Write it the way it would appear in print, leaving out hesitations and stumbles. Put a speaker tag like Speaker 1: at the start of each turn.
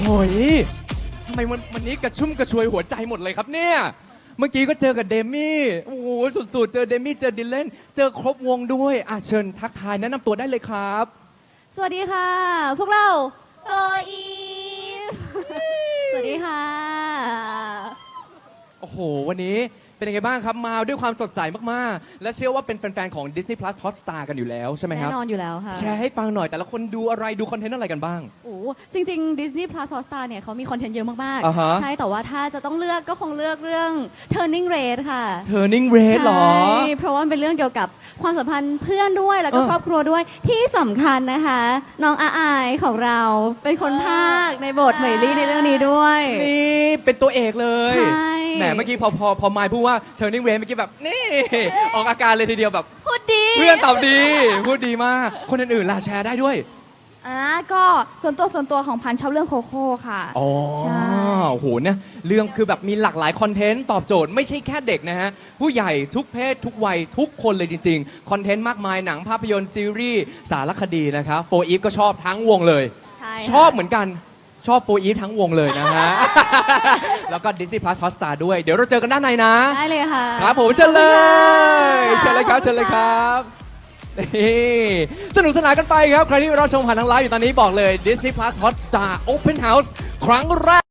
Speaker 1: โอ้ยทำไมวันนี้กระชุ่มกระชวยหัวใจหมดเลยครับเนี่ยเมื่อกี้ก็เจอกับเดมี่โอ้โหสุดๆเจอเดมี่เจอดิลเลนเจอครบวงด้วยเชิญทักทายแนะนำตัวได้เลยครับ
Speaker 2: สวัสดีค่ะ พวกเราโกอีฟ สวัสดีค่ะ
Speaker 1: โอ้โหวันนี้เป็นยังไงบ้างครับมาด้วยความสดใสมากๆและเชื่อว่าเป็นแฟนๆของ Disney Plus Hotstar กันอยู่แล้วใช่ไหมครับ
Speaker 2: แน่นอนอยู่แล้วค่ะ
Speaker 1: แชร์ให้ฟังหน่อยแต่ละคนดูอะไรดูคอนเทนต์อะไรกันบ้าง
Speaker 2: โอ้จริงๆ Disney Plus Hotstar เนี่ยเขามีคอนเทนต์เยอะมาก
Speaker 1: อ่าฮะ
Speaker 2: ๆ ใช่ แต่ว่าถ้าจะต้องเลือกก็คงเลือกเรื่อง Turning Red ค่ะ
Speaker 1: Turning Red เหรอ
Speaker 2: ใช่เพราะว่ามันเป็นเรื่องเกี่ยวกับความสัมพันธ์เพื่อนด้วยแล้วก็ครอบครัวด้วยที่สำคัญนะคะ น้องอาอายของเราเป็นคนภาคในบทเหมยลี่ในเรื่องนี้ด้วย
Speaker 1: นี่เป็นตัวเอกเลย
Speaker 2: ใช่
Speaker 1: แหมเมื่อกี้พอมายพูดว่า Turning Red เมื่อกี้แบบนี่ออกอาการเลยทีเดียวแบบ
Speaker 2: พูดดี
Speaker 1: เพื่อนตอบดีพูดดีมากคนอื่นๆล่ะแชร์ได้ด้วย
Speaker 3: ก็ส่วนตัวของพันชอบเรื่องโคโค่ค่ะ
Speaker 1: อ๋อ
Speaker 3: ใช่
Speaker 1: โอ้โหเนี่ยเรื่องคือแบบมีหลากหลายคอนเทนต์ตอบโจทย์ไม่ใช่แค่เด็กนะฮะ ผู้ใหญ่ทุกเพศทุกวัยทุกคนเลยจริงๆ คอนเทนต์มากมายหนังภาพยนตร์ซีรีส์สารคดีนะครับโฟอีฟก็ชอบทั้งวงเลย
Speaker 2: ใช่ค่ะ
Speaker 1: ชอบเหมือนกันชอบโฟอีฟทั้งวงเลยนะฮะ แล้วก็ Disney Plus Hotstar ด้วยเดี๋ยวเราเจอกันด้านในนะ
Speaker 2: ได้เลยค่ะ
Speaker 1: ครับผมเชิญเลย
Speaker 2: ขอบคุณค่ะ
Speaker 1: เชิญเลยครับเชิญเลยครับนี่สนุกสนานกันไปครับ ใครที่เราชมผ่านทางไลฟ์อยู่ตอนนี้บอกเลย Disney Plus Hotstar Open House ครั้งแรก